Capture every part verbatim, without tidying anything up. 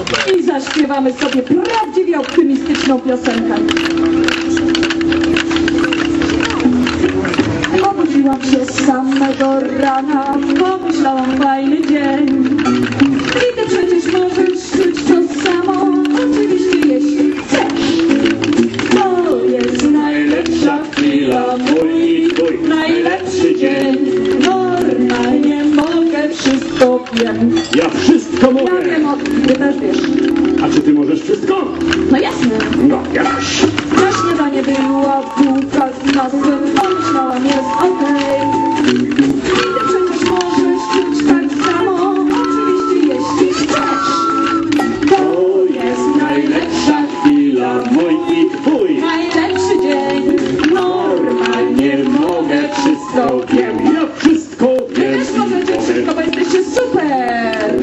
i zaśpiewamy sobie prawdziwie optymistyczną piosenkę. Obudziłam się z samego rana, pomyślałam fajny dzień. I ty przecież możesz czuć to samo, oczywiście jeśli chcesz. To jest najlepsza chwila, mój i twój najlepszy dzień. Normalnie mogę, wszystko wiem. Ja wszystko mogę. Ja wiem o tym, ty też wiesz. A czy ty możesz wszystko? No jasne. No, jakoś. Na śniadanie była bułka z masłem, pomyślałam, jest okej. I ty przecież możesz czuć tak samo, oczywiście jeśli chcesz. To jest najlepsza chwila, mój i twój najlepszy dzień. Normalnie mogę, wszystko wiem. Ja wszystko Wy wiem. też możecie wszystko, bo jesteście super.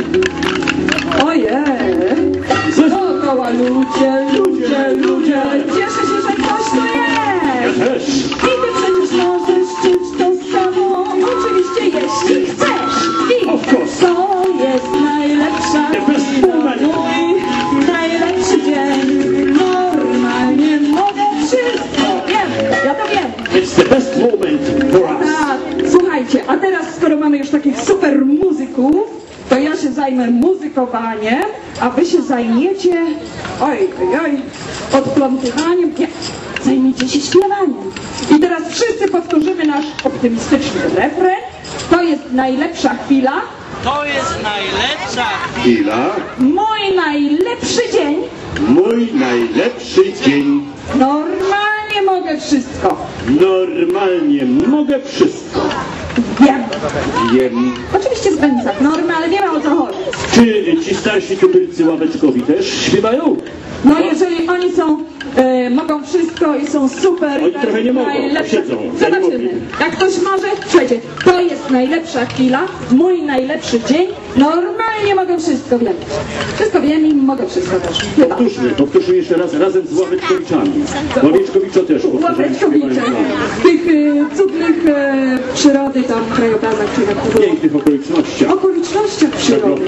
Ojej. Dookoła ludzie, ludzie, ludzie. Cieszę się, że ktoś tu Ja jest. też. I ty przecież możesz czuć to samo, oczywiście jeśli chcesz. I Of course. to jest najlepsza The best chwila, moment. mój najlepszy dzień. Normalnie mogę wszystko. Wiem, ja to wiem. It's the best moment for us. Tak, słuchajcie, a teraz skoro mamy już takich super muzyków, to ja się zajmę muzykowaniem, a wy się zajmiecie, oj, oj, oj, odplątywaniem, nie, zajmijcie się śpiewaniem. I teraz wszyscy powtórzymy nasz optymistyczny refren. To jest najlepsza chwila, To jest najlepsza Chwila. mój najlepszy dzień, Mój najlepszy dzień. normalnie mogę wszystko. Normalnie mogę wszystko. Wiem, Wiem. oczywiście w granicach normy, ale wiemy o co chodzi. Czy ci starsi tubylcy ławeczkowi też śpiewają? No jeżeli oni są, e, mogą wszystko i są super, Oni trochę nie mogą, najlepsze. siedzą, ja nie Zobaczymy. mogę. Jak ktoś może, słuchajcie, to jest najlepsza chwila, mój najlepszy dzień, normalnie mogę wszystko wiem. Wszystko wiem i mogę wszystko też. Chyba. Powtórzmy, powtórzmy jeszcze raz, razem z ławeczkowiczami. Ławeczkowiczo też powtórzmy. Ławeczkowicze, w tych e, cudnych e, przyrody tam krajobrazach, czy jak to W było. pięknych okolicznościach. Okolicznościach przyrody.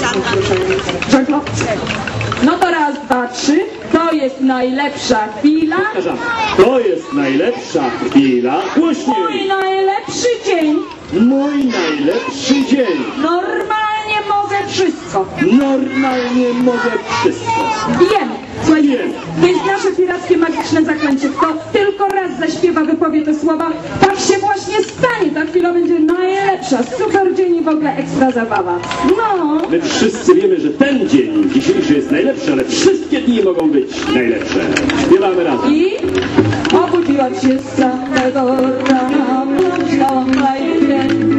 Żaglowcy. No to raz, dwa, trzy. To jest najlepsza chwila. Powtarzam. To jest najlepsza chwila. Mój Głośniej. najlepszy dzień. Mój najlepszy dzień. Normalnie mogę wszystko. Normalnie mogę wszystko. Wiem. Słuchajcie, Wiem. to jest nasze pirackie magiczne zaklęcie. Kto tylko raz zaśpiewa, wypowie te słowa, tak się właśnie stanie. Ta chwila będzie najlepsza. Super dzień i w ogóle ekstra zabawa. No. My wszyscy wiemy, że ten dzień dzisiejszy jest najlepszy, ale wszystkie dni mogą być najlepsze. Śpiewamy razem. I obudziłam się z samego rana, pomyślałam fajny dzień.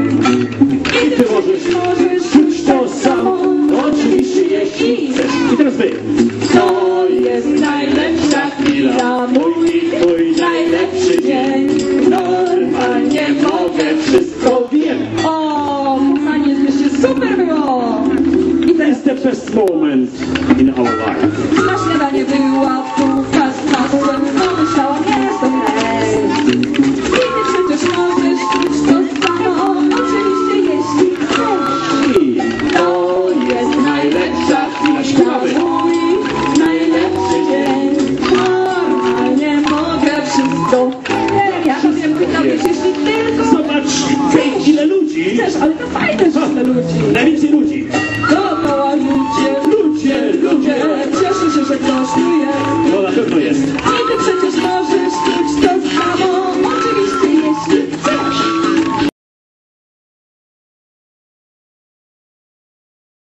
I ty możesz możesz czuć to samo, oczywiście jeśli chcesz. I teraz wy. To jest najlepsza chwila, mój i twój najlepszy dzień. Normalnie mogę wszystko wiem. O, kochani, jesteście super było! I To teraz jest the best moment in our life. na śniadanie była bułka z masłem, pomyślałam, jest okej. I ty przecież możesz czuć to samo, oczywiście jeśli chcesz. I To jest najlepsza chwila, Śpiewamy. mój najlepszy dzień. Normalnie mogę wszystko. Ja to wiem, pytam, jeśli tylko zobacz, hej, ile ludzi. chcesz, ale to fajne, że tyle ludzi. Najwięcej ludzi. Dookoła ludzie, Ludzie, ludzie. cieszę się, że ktoś tu jest. No na pewno jest. I ty przecież